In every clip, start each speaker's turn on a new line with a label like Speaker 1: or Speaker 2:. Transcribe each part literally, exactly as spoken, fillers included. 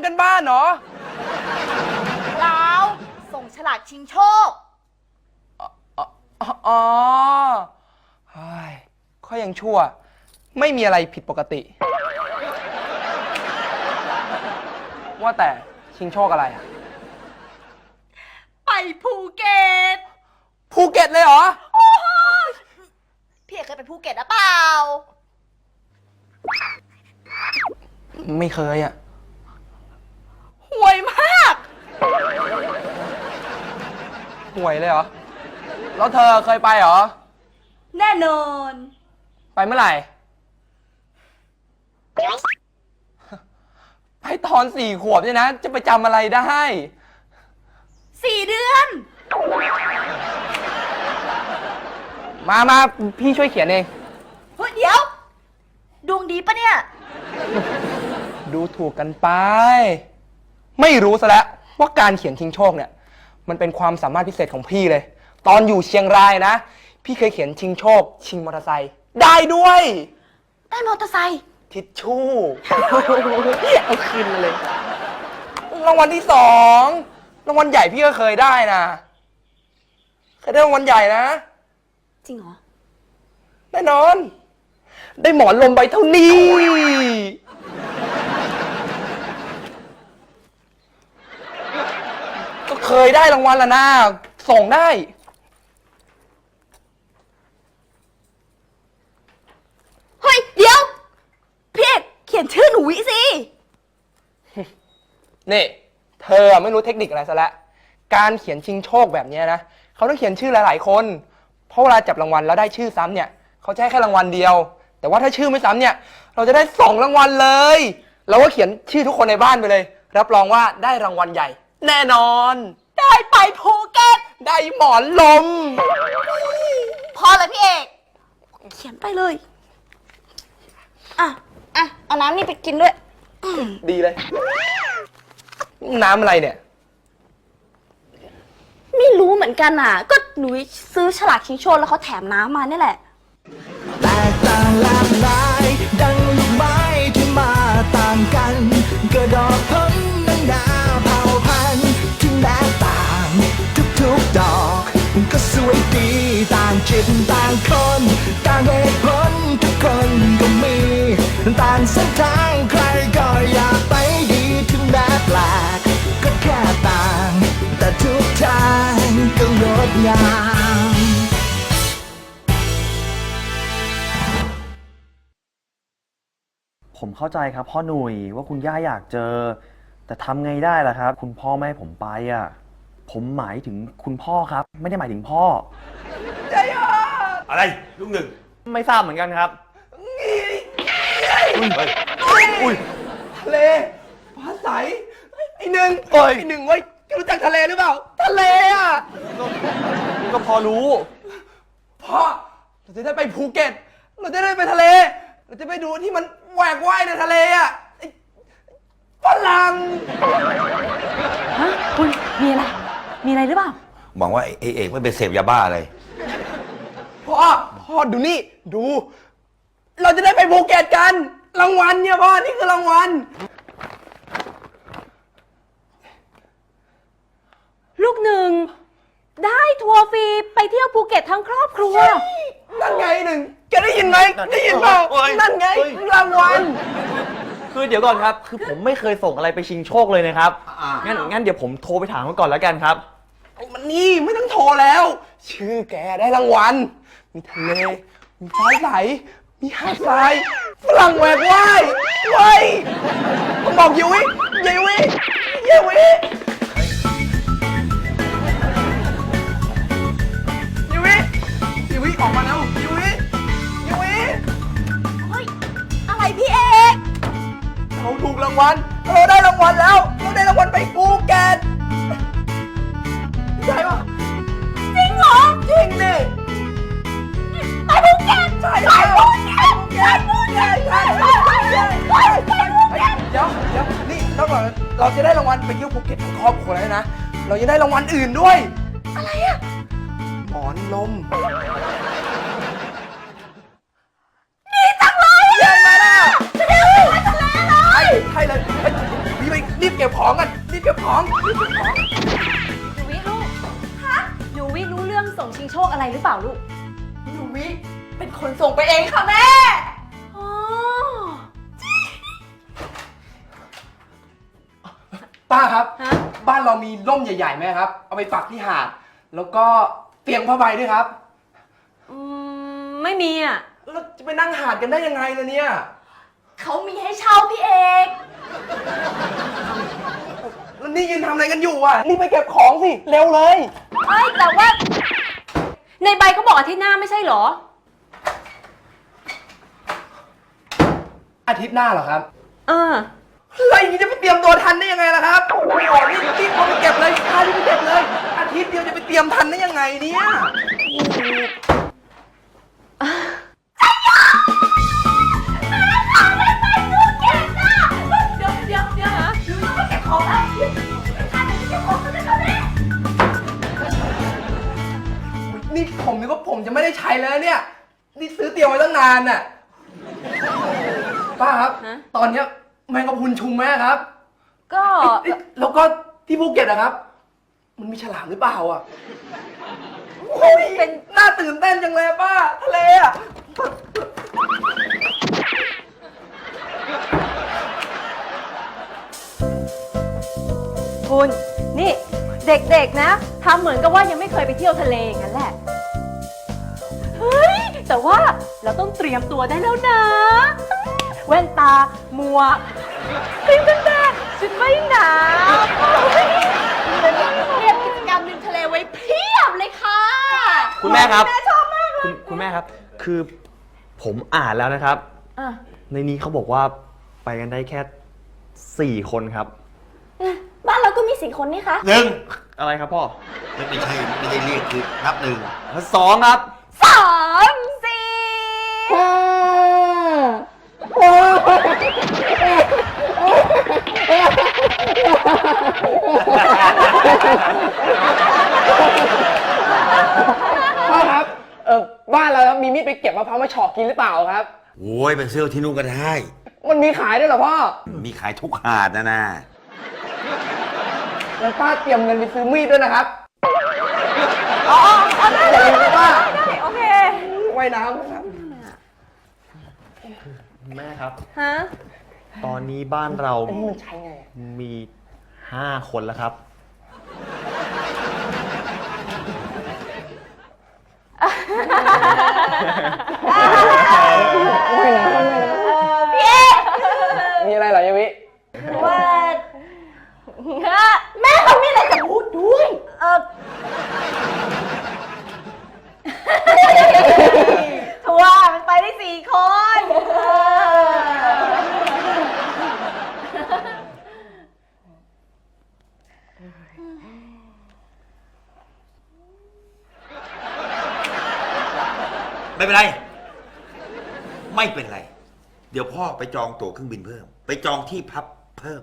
Speaker 1: ำกันบ้านเหรอ
Speaker 2: เราส่งฉลากชิงโชค
Speaker 1: อ๋ออ๋อเฮ้ยข้อยังชั่วไม่มีอะไรผิดปกติว่าแต่ชิงโชคอะไรอะ
Speaker 2: ไปภูเก็ต
Speaker 1: ภูเก็ตเลยเหรอ
Speaker 2: พี่เอกเคยไปภูเก็ตหรือเปล่า
Speaker 1: ไม่เคยอะ
Speaker 2: ห่วยมาก
Speaker 1: ห่วยเลยเหรอแล้วเธอเคยไปเหรอ
Speaker 2: แน่นอน
Speaker 1: ไปเมื่อไหร่ไปตอนสี่ขวบเนี่ยนะจะไปจำอะไรได้
Speaker 2: สี่เดือน
Speaker 1: มามาพี่ช่วยเขียนเอง
Speaker 2: เฮ้ยเดี๋ยวดวงดีปะเนี่ย
Speaker 1: ดูถูกกันไปไม่รู้ซะแล้วว่าการเขียนชิงโชคเนี่ยมันเป็นความสามารถพิเศษของพี่เลยตอนอยู่เชียงรายนะพี่เคยเขียนชิงโชคชิงมอเตอร์ไซค์ได้ด้วย
Speaker 2: ได้มอเตอร์ไซค์
Speaker 1: ทิชชู่เอาคืนเลยรางวัลที่สองรางวัลใหญ่พี่ก็เคยได้นะเคยได้รางวัลใหญ่นะ
Speaker 2: จริงเหรอ
Speaker 1: แน่นอนได้หมอนลมใบเท่านี้ก็เคยได้รางวัลแล้วนะส่งได้
Speaker 2: เฮ้ยเดี๋ยวพี่เอกเขียนชื่อหนูวิสิ
Speaker 1: นี่เธอไม่รู้เทคนิคอะไรซะแล้วการเขียนชิงโชคแบบนี้นะเขาต้องเขียนชื่อหลายๆคนเพราะเวลาจับรางวัลแล้วได้ชื่อซ้ำเนี่ยเขาจะให้แค่รางวัลเดียวแต่ว่าถ้าชื่อไม่ซ้ำเนี่ยเราจะได้สองรางวัลเลยเราก็เขียนชื่อทุกคนในบ้านไปเลยรับรองว่าได้รางวัลใหญ่แน่นอน
Speaker 2: ได้ไปภูเก็ต
Speaker 1: ได้หมอนลม
Speaker 2: พอเลยพี่เอกเขียนไปเลยอ่ะอ่ะเอาน้ำนี่ไปกินด้วย
Speaker 1: ดีเลยน้ำอะไรเนี่ย
Speaker 2: ไม่รู้เหมือนกันอ่ะก็หนูซื้อฉลากชิงโชคแล้วเขาแถมน้ำมานี่แหละ
Speaker 3: แตกต่างหลากหลายดังลูกไม้ที่มาต่างกันกระดอกพ้นนานาเผ่าพันธุ์ที่แตกต่างทุกๆดอกก็สวยดีต่างจิตต่างคนต่างเหตุผลทุกคนก็มีต่างเส้นทางใครก็อยากไปดีถึงแม้แปลกก็แค่ต่างแต่ทุกทางก็งดงาม
Speaker 4: ผมเข้าใจครับพ่อหนุ่ยว่าคุณย่าอยากเจอแต่ทำไงได้ล่ะครับคุณพ่อไม่ให้ผมไปอ่ะผมหมายถึงคุณพ่อครับไม่ได้หมายถึงพ่อ
Speaker 1: ใจยอด
Speaker 5: อะไรลูกหนึ่ง
Speaker 4: ไม่ทราบเหมือนกันครับ
Speaker 5: อุ้ยอุ้ย
Speaker 1: ทะเลฟ้าใสไอ้หนึ่งไอ้หนึ่งเว้ยรู้จักทะเลหรือเปล่าทะเลอ่ะ
Speaker 4: ก็พอรู้
Speaker 1: พ่อเราจะได้ไปภูเก็ตเราจะได้ไปทะเลเราจะไปดูที่มันแหวกว่ายในทะเลอ่ะฝรั่ง
Speaker 2: ฮะคุณมีอะไรมีอะไรหรือเปล่า
Speaker 5: หวังว่าไอ้เอกไม่ไปเสพยาบ้าอะไร
Speaker 1: พ่อพ่อดูนี่ดูเราจะได้ไปภูเก็ตกันรางวัลเนี่ยพ่อนี่คือรางวัล
Speaker 2: ลูกหนึ่งได้ทัวร์ฟรีไปเที่ยวภูเก็ตทั้งครอบครัว
Speaker 1: นั่นไงหนึ่งแกได้ยินไหมได้ยินเปล่านั่นไงรางวัล
Speaker 4: คือเดี๋ยวก่อนครับคือผมไม่เคยส่งอะไรไปชิงโชคเลยนะครับงั้นงั้นเดี๋ยวผมโทรไปถามเขาก่อนแล้วกันครับ
Speaker 1: ไอ้มันนี่ไม่ต้องโทรแล้วชื่อแกได้รางวัลมีทะเลมีฟ้าใสมีหาดทรายฝรั่งแหวกว่ายเว้ยผมบอกยูวิยูวิยูวิยูวิยูวิออกมาแล้วยูวิยูวิ
Speaker 2: เฮ้ยอะไรพี่เอก
Speaker 1: เราถูกรางวัลเราได้รางวัลแล้วเราได้รางวัลไปภูเก็ตใช่ปะ
Speaker 2: จริงเหรอ
Speaker 1: จริงดิ
Speaker 2: ไปภูเก็ต
Speaker 1: ใช่
Speaker 2: ไปภูเก็ตไปภูเก็ต
Speaker 1: ใช่ใช่ใช่ใช่เดี๋ยวเดี๋ยวนี่ต้องก่อนเราจะได้รางวัลไปเที่ยวภูเก็ตทั้งครอบครัวแล้วนะเราจะได้รางวัลอื่นด้วย
Speaker 2: อะไรอะ
Speaker 1: หมอนลม
Speaker 2: ดีจังเลย
Speaker 1: ใหญ่มาแล้ว
Speaker 2: จะได้ไปทะเลเลย
Speaker 1: ใช่เลยรีบไปรีบเก็บของกันรีบเก็บของรีบเก็บของ
Speaker 6: หนูวิลูกฮะหนูวิรู้เรื่องส่งชิงโชคอะไรหรือเปล่าลูก
Speaker 1: หนูวิเป็นคนส่งไปเองค่ะแม่
Speaker 6: อ๋อ
Speaker 1: ป้าครับ
Speaker 6: ฮะ
Speaker 1: บ้านเรามีร่มใหญ่ๆไหมครับ เอาไปปักที่หาด แล้วก็เตียงผ้าใบด้วยครับ
Speaker 6: อืมไม่มีอ่ะ
Speaker 1: แล้วจะไปนั่งหาดกันได้ยังไงล่ะเนี่ย
Speaker 2: เขามีให้เช่าพี่เอก
Speaker 1: แล้วนี่ยืนทำอะไรกันอยู่อ่ะรีบไปเก็บของสิ เร็วเลย
Speaker 6: เอ้ยแต่ว่า ในใบก็บอกอาทิตย์หน้าไม่ใช่เหรอ
Speaker 1: อาทิตย์หน้าเหรอครับ
Speaker 6: เออ
Speaker 1: อะไรอย่างนี้จะไปเตรียมตัวทันได้ยังไงล่ะครับโอ้โหนี่รีบเอาไปเก็บเลยพารีบไปเก็บเลย อาทิตย์เดียวจะไปเตรียมทันได้ยังไงเนี่ย
Speaker 2: เดี๋ยวเดี๋ยวเดี๋ยวหนูยังไม่เก็บของแล้วไอ้ท่านจะเก็บของกันได้แล้วแม่
Speaker 1: นี่ผมนึกว่าผมจะไม่ได้ใช้แล้วเนี่ย นี่ซื้อเตรียมไว้ตั้งนานน่ะ ป้าครับ
Speaker 6: ฮะ
Speaker 1: ตอนเนี้ยแมงกะพรุนชุมไหมครับ
Speaker 6: ก็
Speaker 1: เอ๊ะแล้วก็ที่ภูเก็ตนะครับ มันมีฉลามหรือเปล่าอ่ะโอ้ย
Speaker 6: เป็น
Speaker 1: น่าตื่นเต้นจังเลยป้า ทะเลอ่ะ
Speaker 6: คุณนี่เด็กๆนะทำเหมือนกับว่ายังไม่เคยไปเที่ยวทะเลอย่างนั้นแหละ เฮ้ย แต่ว่าเราต้องเตรียมตัวได้แล้วนะ แว่นตาหมวกครีมกันแดดชุดว่ายน้ำ
Speaker 2: เตรียมกิจกรรมริมทะเลไว้เพียบเลยค่ะ
Speaker 4: คุณแม่ครับ
Speaker 2: แม่ชอบมากเลย
Speaker 4: คุณคุณแม่ครับ คือผมอ่านแล้วนะครับ
Speaker 6: อ่ะ
Speaker 4: ในนี้เขาบอกว่าไปกันได้แค่สี่คนครับ
Speaker 2: บ้านเราก็มีสี่คนนี่คะ
Speaker 5: หนึ่ง
Speaker 4: อะไรครับพ่อ
Speaker 5: ไม่ไม่ใช่ไม่ได้เรียกคือนับหนึ่ง
Speaker 4: สองครับ
Speaker 2: สามสี่
Speaker 1: พ่อครับ เออบ้านเราครับมีมีดไปเก็บมะพร้าวมาเฉาะกินหรือเปล่าครับ
Speaker 5: โอ้ยไปซื้อที่นู่นก็ได้
Speaker 1: มันมีขายด้วยเหรอพ่อ
Speaker 5: มีขายทุกหาดนะนะ
Speaker 1: แล้วป้าเตรียมเงินไปซื้อมีดด้วยนะครับ อ๋ออ๋อได้เลยป้า
Speaker 6: โอเค
Speaker 1: ว่ายน้ำครับ
Speaker 4: แม่ครับ
Speaker 6: ฮะ
Speaker 4: ตอนนี้บ้านเรา
Speaker 1: อันนี้มันใช้ไงอะ
Speaker 4: มีห้าคนแล้วครับ
Speaker 1: ว่ายน้ำว่ายน้
Speaker 2: พี่เอก
Speaker 1: ำมีอะไรเหรอยายวิ
Speaker 2: ว่าแม่เขามีอะไรจะพูดด้วย
Speaker 6: เออทัวร์มันไปได้สี่คน
Speaker 5: ไม่เป็นไร ไม่เป็นไร เดี๋ยวพ่อไปจองตั๋วเครื่องบินเพิ่ม ไปจองที่พักเพิ่ม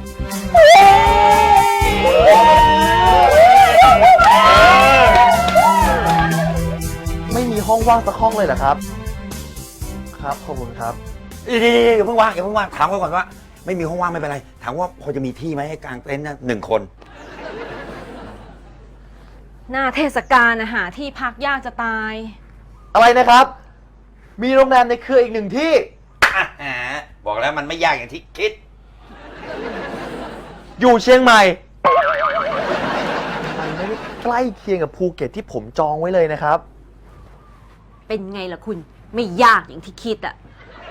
Speaker 4: ไม่มีห้องว่างสักห้องเลยเหรอครับ ครับ ขอบคุณครับ
Speaker 5: เดี๋ยวๆๆอย่าเพิ่งว่างอย่าเพิ่งว่างถามเขาก่อนว่า ไม่มีห้องว่างไม่เป็นไร ถามว่าพอจะมีที่ไหมให้กางเต็นท์นะหนึ่งคน
Speaker 6: หน้าเทศกาลนะหาที่พักยากจะตาย
Speaker 4: อะไรนะครับ มีโรงแรมในเครืออีกหนึ่งที่
Speaker 5: อ่ะหาบอกแล้วมันไม่ยากอย่างที่คิด
Speaker 4: อยู่เชียงใหม่มันไม่ได้ใกล้เคียงกับภูเก็ตที่ผมจองไว้เลยนะครับ
Speaker 6: เป็นไงล่ะคุณ ไม่ยากอย่างที่คิดอ่ะ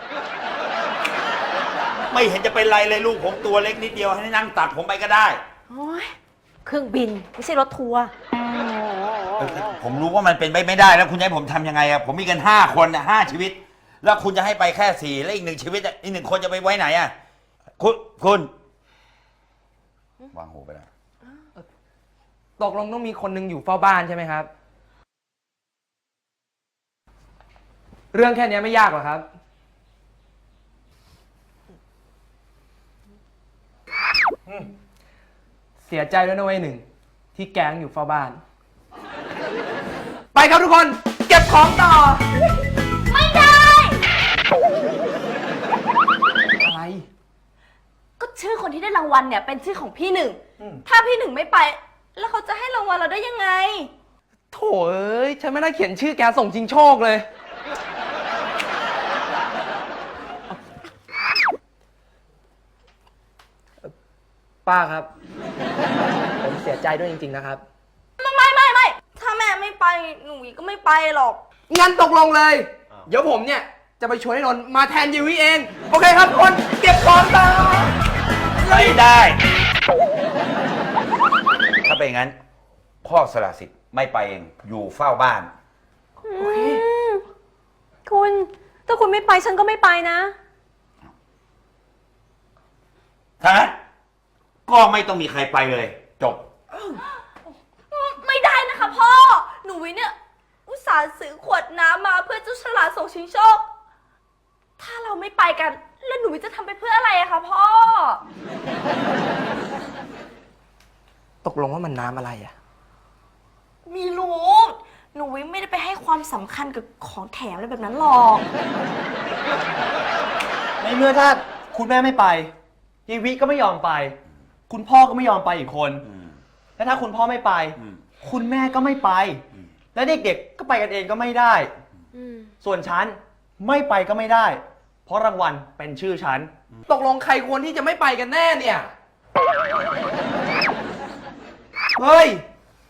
Speaker 5: ไม่เห็นจะเป็นไรเลยลูกผมตัวเล็กนิดเดียวให้นั่งตักผมไปก็ได้
Speaker 6: โอ้ยเครื่องบินไม่ใช่รถทัวร์
Speaker 5: เออผมรู้ว่ามันเป็นไปไม่ได้แล้วคุณจะให้ผมทำยังไงอะผมมีกันห้าคนอะห้าชีวิต แล้วคุณจะให้ไปแค่สี่แล้วอีกหนึ่งชีวิตอะอีกหนึ่งคนจะไปไว้ไหนอะคุณคุณวางหูไปแล้ว
Speaker 1: ตกลงต้องมีคนหนึงอยู่เฝ้าบ้านใช่ไหมครับ เรื่องแค่นี้ไม่ยากหรอกครับ เสียใจด้วยนะเว้ยหนึ่ง ที่แก๊งอยู่เฝ้าบ้าน ไปครับทุกคน เก็บของต่อ
Speaker 2: ไม่ได้
Speaker 1: อะไร
Speaker 2: ก็ชื่อคนคนที่ได้รางวัลเนี่ยเป็นชื่อของพี่หนึ่ง ถ้าพี่หนึ่งไม่ไป แล้วเขาจะให้รางวัลเราได้ยังไง
Speaker 1: โถเอ้ย ฉันไม่ได้เขียนชื่อแกส่งชิงโชคเลย ป้าครับ ผมเสียใจด้วยจริงๆนะครับ
Speaker 2: ไม่ไม่ไม่ไม่ถ้าแม่ไม่ไปหนูก็ไม่ไปหรอก
Speaker 1: งั้นตกลงเลย เดี๋ยวผมเนี่ยจะไปชวนให้นนท์มาแทนยูวิเอง โอเคครับทุกคนเก็บของต่อ
Speaker 5: ไม่ได้ ถ้าเป็นอย่างนั้น พ่อสละสิทธิ์ไม่ไปเอง อยู่เฝ้าบ้าน
Speaker 6: คุณ ถ้าคุณไม่ไปฉันก็ไม่ไปนะ
Speaker 5: ถ้างั้นก็ไม่ต้องมีใครไปเลย จบ
Speaker 2: ไม่ได้นะคะพ่อ หนูวิเนี่ย อุตส่าห์ซื้อขวดน้ำมาเพื่อเจ้าฉลาดส่งชิงโชค ถ้าเราไม่ไปกัน แล้วหนูวิจะทำไปเพื่ออะไรอะคะพ่อ
Speaker 1: ตกลงว่ามันน้ำอะไรอะ
Speaker 2: มีรู้ หนูวิไม่ได้ไปให้ความสำคัญกับของแถมอะไรแบบนั้นหรอก
Speaker 4: ในเมื่อถ้าคุณแม่ไม่ไปยีวิก็ไม่ยอมไป คุณพ่อก็ไม่ยอมไปอีกคน และถ้าคุณพ่อไม่ไป คุณแม่ก็ไม่ไป และเด็กๆก็ไปกันเองก็ไม่ได้ ส่วนฉันไม่ไปก็ไม่ได้ เพราะรางวัลเป็นชื่อฉัน
Speaker 1: ตกลงใครควรที่จะไม่ไปกันแน่เนี่ย เฮ้ย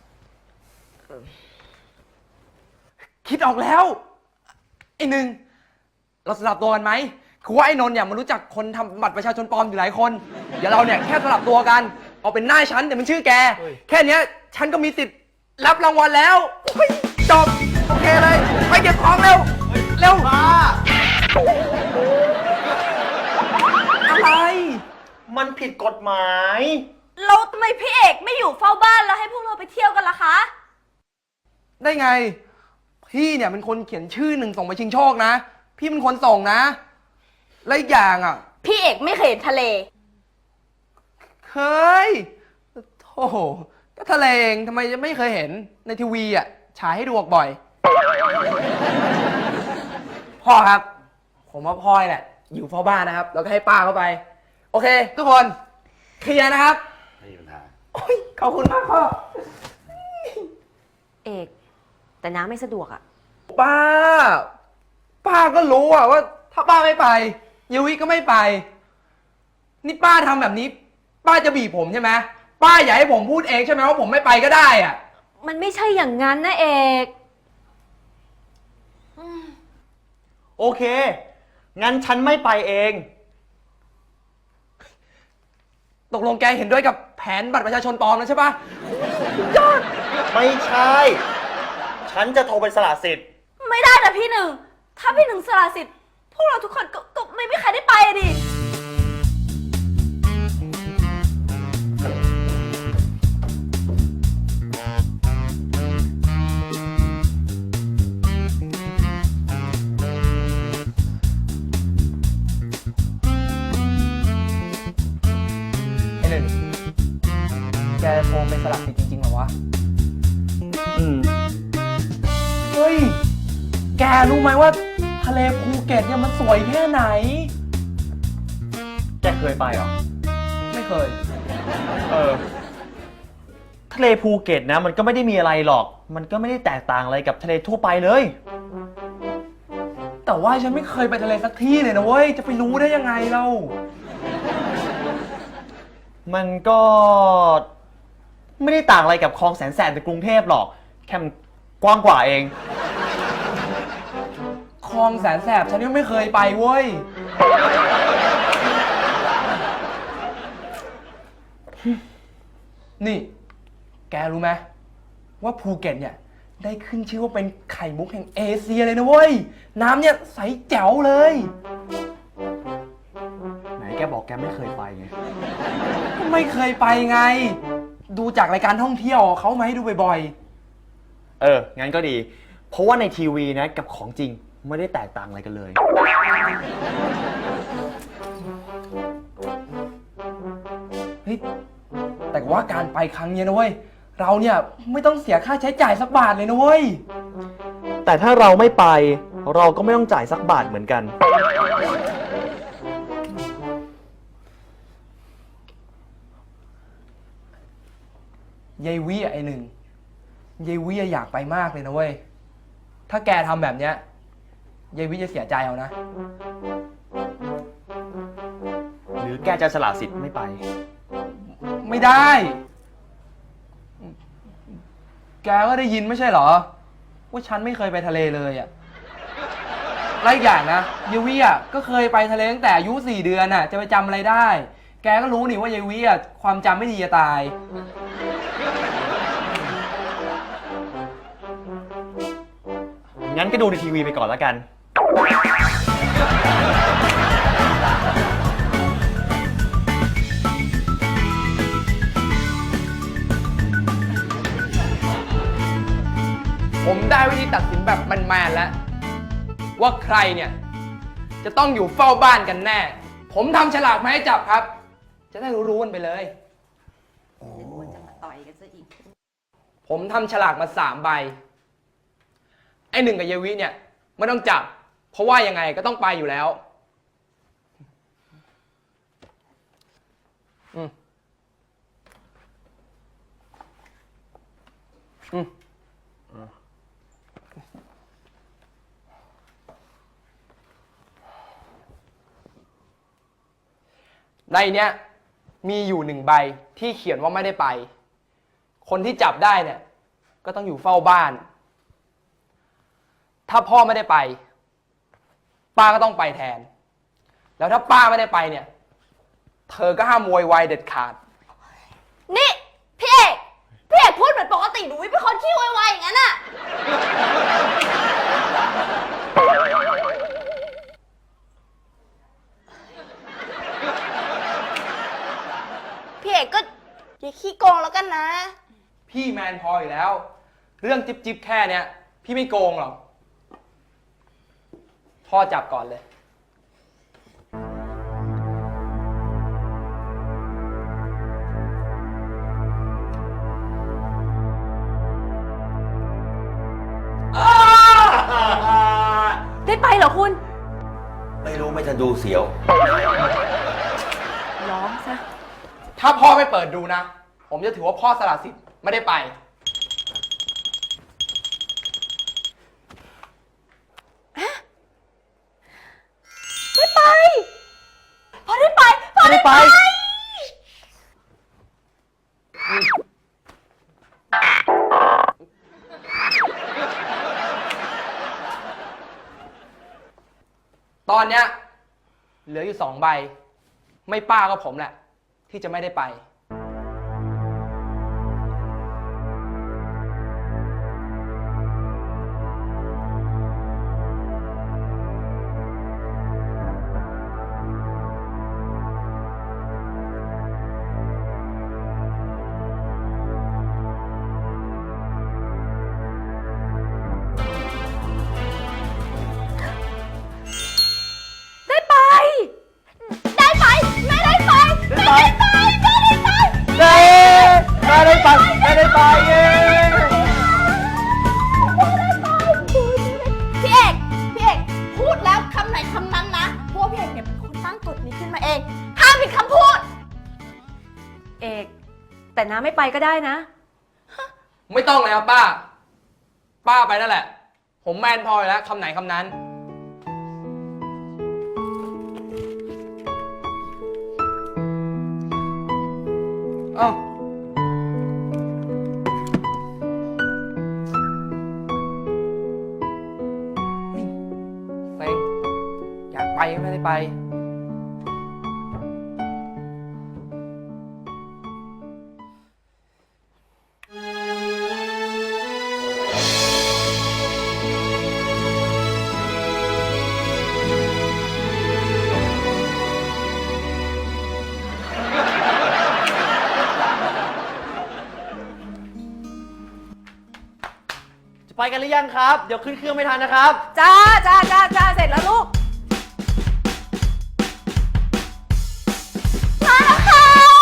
Speaker 1: คิดออกแล้ว ไอ้หนึ่ง เราสลับตัวกันไหม คือว่าไอ้นนท์เนี่ยมันรู้จักคนทำบัตรประชาชนปลอมอยู่หลายคน เดี๋ยวเราเนี่ยแค่สลับตัวกัน เอาเป็นหน้าฉันแต่มันชื่อแก แค่เนี้ยฉันก็มีสิทธิ์รับรางวัลแล้วเฮ้ยจบ โอเคเลย ไปเก็บของเร็ว เร็วอะไร
Speaker 4: มันผิดกฎหมาย
Speaker 2: เราทำไมพี่เอกไม่อยู่เฝ้าบ้านแล้วให้พวกเราไปเที่ยวกันล่ะคะ
Speaker 1: ได้ไง พี่เนี่ยเป็นคนเขียนชื่อหนึ่งส่งไปชิงโชคนะ พี่เป็นคนส่งนะ และอีกอย่างอ่ะ
Speaker 2: พี่เอกไม่เคยเห็นทะเล
Speaker 1: เคยโอ้โหก็ทะเลเองทำไมจะไม่เคยเห็นในทีวีอ่ะฉายให้ดูออกบ่อย พ่อครับ ผมว่าพ่อเนี่ยอยู่เฝ้าบ้านนะครับ แล้วก็ให้ป้าเข้าไป โอเค ทุกคนเคลียร์นะครับ
Speaker 5: ไม่มีปัญหา
Speaker 1: โอ้ยขอบคุณมากพ่อ
Speaker 6: เอก แต่น้าไม่สะดวกอะ
Speaker 1: ป้า ป้าก็รู้อะว่าถ้าป้าไม่ไปยูวิก็ไม่ไป นี่ป้าทำแบบนี้ ป้าจะบีบผมใช่ไหมป้าอยากให้ผมพูดเองใช่ไหมว่าผมไม่ไปก็ได้อะ
Speaker 6: มันไม่ใช่อย่างนั้นนะเอก
Speaker 4: โอเค งั้นฉันไม่ไปเอง
Speaker 1: ตกลงแกเห็นด้วยกับแผนบัตรประชาชนปลอมแล้วใช่ปะ
Speaker 4: ไม่ใช่ ฉันจะโทรไปสละสิทธิ์
Speaker 2: ไม่ได้นะพี่หนึ่ง ถ้าพี่หนึ่งสละสิทธิ์ พวกเราทุกคนก็ก็ไม่มีใครได้ไปอะดิ
Speaker 1: ไอ้หนึ่งแกโทรไปสลับสิทธิ์จริงๆเหรอวะ
Speaker 4: อืม
Speaker 1: เฮ้ย แกรู้ไหมว่าทะเลภูเก็ตเนี่ยมันสวยแค่ไหน
Speaker 4: แกเคยไปเหรอ
Speaker 1: ไม่เคย
Speaker 4: เออ ทะเลภูเก็ตนะ มันก็ไม่ได้มีอะไรหรอก มันก็ไม่ได้แตกต่างอะไรกับทะเลทั่วไปเลย
Speaker 1: แต่ว่าฉันไม่เคยไปทะเลสักที่เลยนะเว้ย จะไปรู้ได้ยังไงเล่า
Speaker 4: มันก็ไม่ได้ต่างอะไรกับคลองแสนแสบในกรุงเทพหรอก แค่มันกว้างกว่าเอง
Speaker 1: คลองแสนแสบฉันยังไม่เคยไปเว้ย นี่ แกรู้ไหมว่าภูเก็ตเนี่ย ได้ขึ้นชื่อว่าเป็นไข่มุกแห่งเอเชียเลยนะเว้ย น้ำเนี่ยใสแจ๋วเลย
Speaker 4: ไหนแกบอกแกไม่เคยไปไง
Speaker 1: ไม่เคยไปไง ดูจากรายการท่องเที่ยวเขามาให้ดูบ่อย
Speaker 4: เออ งั้นก็ดี เพราะว่าในทีวีนะกับของจริงไม่ได้แตกต่างอะไรกันเลย
Speaker 1: ๆ เฮ้ย แต่ว่าการไปครั้งเนี้ยนะเว้ย เราเนี่ยไม่ต้องเสียค่าใช้จ่ายสักบาทเลยนะเว้ย
Speaker 4: แต่ถ้าเราไม่ไป เราก็ไม่ต้องจ่ายสักบาทเหมือนกัน
Speaker 1: ยายวิอะไอหนึ่งยายวิอะอยากไปมากเลยนะเว้ย ถ้าแกทำแบบเนี้ยยายวิจะเสียใจเอานะ
Speaker 4: หรือแกจะสละสิทธิ์ไม่ไป
Speaker 1: ไม่ได้ แกก็ได้ยินไม่ใช่เหรอ ว่าฉันไม่เคยไปทะเลเลยอะและอีกอย่างนะยายวิอะก็เคยไปทะเลตั้งแต่อายุสี่เดือนอะจะไปจำอะไรได้ แกก็รู้นี่ว่ายายวิอะความจำไม่ดีจะตาย
Speaker 4: งั้นก็ดูในทีวีไปก่อนแล้วกัน
Speaker 1: ผมได้วิธีตัดสินแบบแมนๆแล้ว ว่าใครเนี่ยจะต้องอยู่เฝ้าบ้านกันแน่ ผมทำฉลากมาให้จับครับ จะได้รู้ๆกันไปเลย
Speaker 6: จะมาต่อยกันซะอีก
Speaker 1: ผมทำฉลากมาสามใบ ไอ้หนึ่งกับเยวิเนี่ยไม่ต้องจับ เพราะว่ายังไงก็ต้องไปอยู่แล้ว อืมอืมในเนี้ยมีอยู่หนึ่งใบที่เขียนว่าไม่ได้ไป คนที่จับได้เนี่ยก็ต้องอยู่เฝ้าบ้าน ถ้าพ่อไม่ได้ไป ป้าก็ต้องไปแทน แล้วถ้าป้าไม่ได้ไปเนี่ย เธอก็ห้ามโวยวายเด็ดขาด
Speaker 2: นี่พี่เอกพี่เอกพูดเหมือนปกติหนูวิเป็นคนขี้โวยวายอย่างนั้นอะพี่เอกก็อย่าขี้โกงแล้วกันนะ
Speaker 1: พี่แมนพออยู่แล้ว เรื่องจิ๊บจิ๊บแค่เนี้ยพี่ไม่โกงหรอก พ่อจับก่อนเลย
Speaker 6: ได้ไปเหรอคุณ
Speaker 5: ไม่รู้ไม่ทันดูเสียว
Speaker 6: ร้องซะ
Speaker 1: ถ้าพ่อไม่เปิดดูนะ ผมจะถือว่าพ่อสละสิทธิ์ไม่ได้ไป
Speaker 2: ได้ไป พอได้ไป พอได้ไป
Speaker 1: ตอนเนี้ยเหลืออยู่สองใบ ไม่ป้าก็ผมแหละ ที่จะไม่ได้ไป
Speaker 2: ได้ไป ได้ไป ไม่ได้ไป ไม่ได้ไป ไม่ได้ไป
Speaker 4: เย้แม่ได้ไปแม่ได้ไปเย้
Speaker 2: พี่เอก พี่เอก พูดแล้วคำไหนคำนั้นนะเพราะว่าพี่เอกเนี่ยเป็นคนตั้งกฎนี้ขึ้นมาเอง ห้ามผิดคำพูด
Speaker 6: เอก แต่น้าไม่ไปก็ได้นะ
Speaker 1: ไม่ต้องเลยครับป้า ป้าไปนั่นแหละ ผมแมนพออยู่แล้วคำไหนคำนั้น เอ้าเฮ้ยเซ็งอยากไปก็ไม่ได้ไป
Speaker 4: จะไปกันหรือยังครับ เดี๋ยวขึ้นเครื่องไม่ทันนะครับ
Speaker 6: จ้าจ้าจ้าจ้าเสร็จแล้วลูก
Speaker 2: มาแล้วค่ะ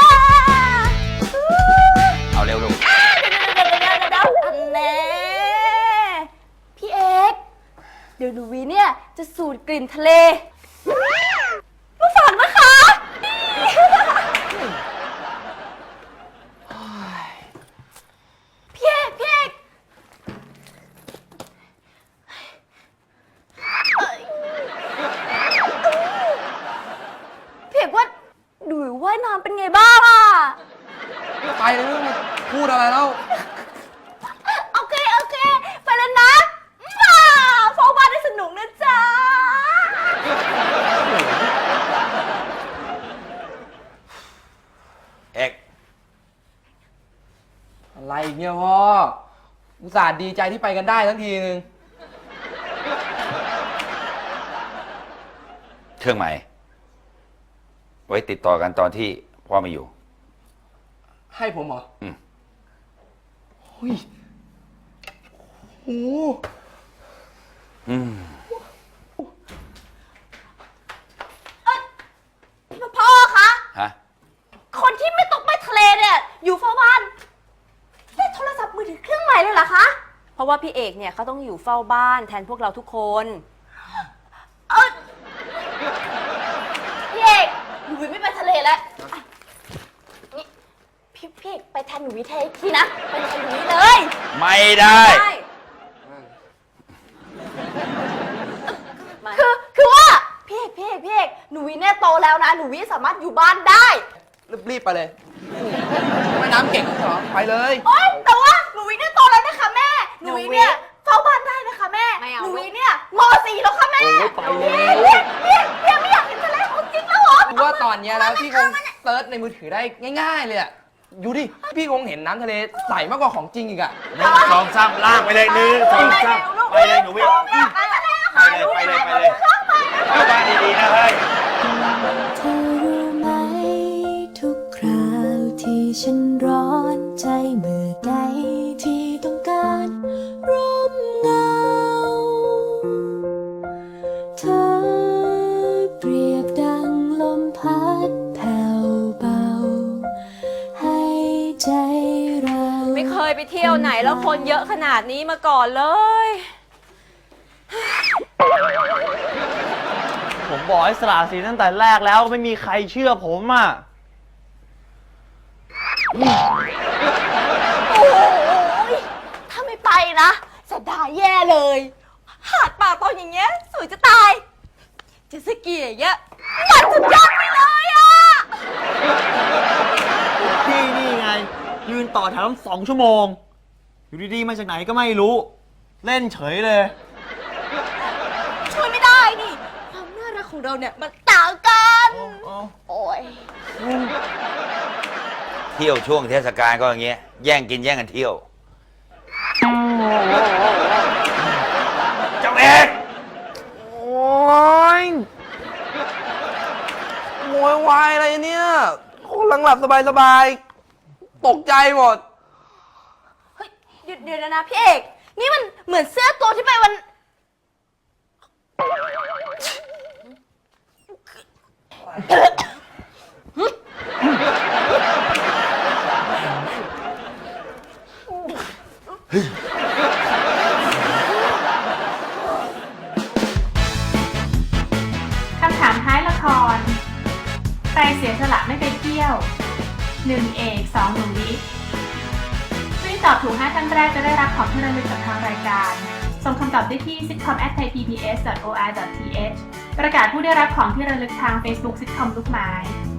Speaker 5: เอาเร็วลูก
Speaker 2: เดี๋ยวเดี๋ยวเดี๋ยวเดี๋ยวอันแน่พี่เอกเดี๋ยวหนูวีเนี่ยจะสูดกลิ่นทะเลมาฝากนะคะ
Speaker 1: เ
Speaker 2: เป็นไงบ้างอะ
Speaker 1: ไปเลยไม่ต้องพูดอะไรแล้ว
Speaker 2: โอเค โอเค ไปแล้วนะว้าวเฝ้าบ้านได้สนุกนะจ๊ะ
Speaker 5: เอก
Speaker 1: อะไรอีกเนี่ยพ่อ อุตส่าห์ดีใจที่ไปกันได้ทั้งทีนึง
Speaker 5: เครื่องหมายไว้ติดต่อกันตอนที่พ่อไม่อยู่
Speaker 1: ให้ผมเหรอ
Speaker 5: อืม
Speaker 1: เฮ้ยโอ้
Speaker 5: อืม
Speaker 2: พ่อคะ
Speaker 5: ฮะ
Speaker 2: คนที่ไม่ต้องไปทะเลเนี่ย อยู่เฝ้าบ้านได้โทรศัพท์มือถือเครื่องใหม่เลยเหรอคะ
Speaker 6: เพราะว่าพี่เอกเนี่ยเขาต้องอยู่เฝ้าบ้านแทนพวกเราทุกคน
Speaker 2: เออพี่เอกหนูวิไม่ไปทะเลแล้วอ่ะนี่พี่พี่เอกไปแทนหนูวิเทยทีนะ ไปแทนหนูวิเลย
Speaker 5: ไม่ได้
Speaker 6: ใช่
Speaker 2: คือคือว่าพี่เอกพี่เอกพี่เอกหนูวิเนี่ยโตแล้วนะ หนูวิสามารถอยู่บ้านได้
Speaker 1: รีบๆไปเลยไม่น้ำเก่งเหรอ ไปเลย
Speaker 2: โอ๊ยแต่ว่าหนูวิเนี่ยโตแล้วนะคะแม่ หนูวิเนี่ยเฝ้าบ้านได้นะคะแม่
Speaker 6: ไม่เอา
Speaker 2: หนูวิเนี่ยมสี่แล้วค่ะแม่
Speaker 1: โอ้ยไปเลย
Speaker 2: พี่พี่พี่ไม่อยากเห็นทะเลของจริงแล้วเหรอ
Speaker 1: คือว่าตอนเนี้ยนะพี่คงเซิร์ชในมือถือได้ง่ายๆเลยอะอยู่ดิ พี่คงเห็นน้ำทะเลใสมากกว่าของจริงอีกอะ
Speaker 5: หนึ่งสองสามลากไปเลยหนึ่งสองสามไปเลยหนูวิว
Speaker 2: ไปทะเล
Speaker 5: ไปเลยไปเลยไปเลยเข้าบ้านดีๆนะเฮ้ย
Speaker 7: เธอรู้ไหมทุกคราวที่ฉันร้อนใจเมื่อใดที่ต้องการร่มเงา เธอเปรียบดังลมพัดแผ่วเบา ให้ใจเรา
Speaker 6: ไม่เคยไปเที่ยวไหนแล้วคนเยอะขนาดนี้มาก่อนเลย
Speaker 4: ผมบอกให้สละสิทธิ์ตั้งแต่แรกแล้วไม่มีใครเชื่อผมอ่ะ
Speaker 2: โอ้ยถ้าไม่ไปนะจะด่าแย่เลย หาดป่าตอนอย่างเงี้ยสวยจะตาย เจะสกีอย่างเงี้ยมันสุดยอดไปเลยอ่ะ
Speaker 4: พี่นี่ไง ยืนต่อแถวตั้งสองชั่วโมง อยู่ดีๆมาจากไหนก็ไม่รู้ เล่นเฉยเลย
Speaker 2: ช่วยไม่ได้นี่ ความน่ารักของเราเนี่ยมันต่างกัน โอ้ย
Speaker 5: เที่ยวช่วงเทศกาลก็อย่างเงี้ยแย่งกินแย่งกันเที่ยวเจ้าเอก
Speaker 1: โอ้ยโวยวายอะไรเนี่ยคนหลังหลับสบายๆ ตกใจหมด
Speaker 2: เฮ้ยเดี๋ยวเดี๋ยวนะพี่เอก นี่มันเหมือนเสื้อตัวที่ไปวัน
Speaker 8: คำถามท้ายละคร ใครเสียสละไม่ไปเที่ยว หนึ่ง เอก สอง หนูวิผู้ที่ตอบถูกห้าท่านแรกจะได้รับของที่ระลึกจากทางรายการ ส่งคำตอบได้ที่ ซิทคอม แอท ไทยพีบีเอส ดอท โอ อาร์ ดอท ที เอช ประกาศผู้ได้รับของที่ระลึกทาง Facebook ซิทคอมลูกไม้